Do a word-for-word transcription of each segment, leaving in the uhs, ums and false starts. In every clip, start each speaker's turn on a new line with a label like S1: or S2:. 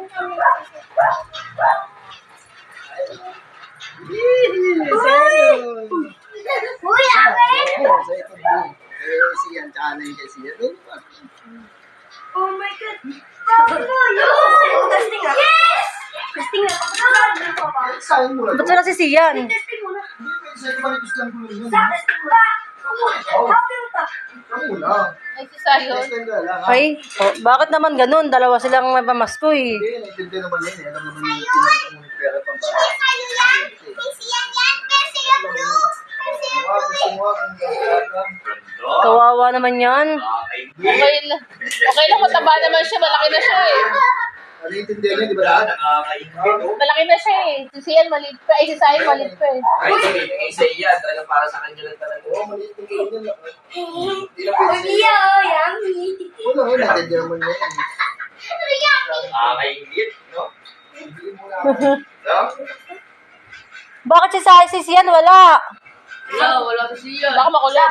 S1: Uy, akin!
S2: Sa ito, eh, siyan, tsaka na yung kasi yan.
S1: Oh my God! Bakit mo yun? Testing na. Yes! Testing na.
S2: Sayang mo na
S3: Ba't wala si Sian?
S1: Testing muna.
S2: Sa'yo ba nipis lang ko yun?
S1: Sa testing muna. Bakit mo ta?
S2: Ako lang.
S4: Ay, si Sayon.
S2: Testing ka lang, ha?
S3: Ay, oh, bakit naman ganun? Dalawa silang may pamasko eh.
S2: Hindi, naintindihan naman yun eh. Alam naman yung pinagtang mo pera pang bata.
S1: Sa'yo yan. Kasi yan yan. Kasi yung blue. Kasi yung
S2: Wow, gusto mo akong gagawin.
S3: Kawawa naman yan.
S4: Okay lang. Okay lang, mataba naman siya. Malaki na siya eh.
S2: Naintindihan niyo, di ba lahat?
S4: Malaki na siya eh. Si Sian maliit pa. Ay, si Sayon maliit pa eh.
S5: Ay, sige, kay sa iya, talaga para sa kanya lang talaga.
S2: Oo, maliit yung ganyan lang. Hindi na pwede sa'yo.
S1: Iya, oh, yummy.
S2: Wala, wala, naintindihan naman niya yan.
S5: Ah, kay Ingrid, no?
S2: Hindi mo lang.
S5: No?
S3: Bakit si, Sa- si Sian wala?
S4: Wala, wala si Sian. Baka makulit.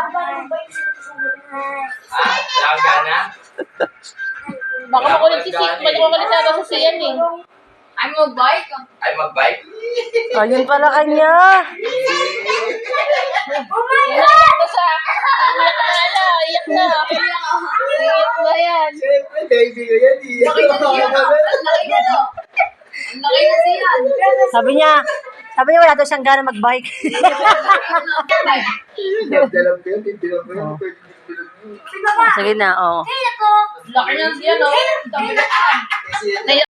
S5: Ah, laga na?
S4: Baka makulit si Sian. Baka makulit sa si Sian eh. Ay, mag-bike.
S5: Ay, mag-bike?
S3: Ayun pala kanya.
S1: Oh my
S4: Iyak na siya. Iyak na na. Iyak na. Iyak na yan.
S2: Siyempre, baby ko yan eh.
S4: Laki na siya. Ang laki na no. Ang laki na siya.
S3: Sabi niya, sabi niya wala daw siyang gana mag-bike.
S2: Dalam ko yun, tindihan ko yun. Pwede tindihan mo.
S3: Sige na, oh.
S1: Kaya ko.
S4: Laki na siya no. Dami na siya.
S2: Kasi yan,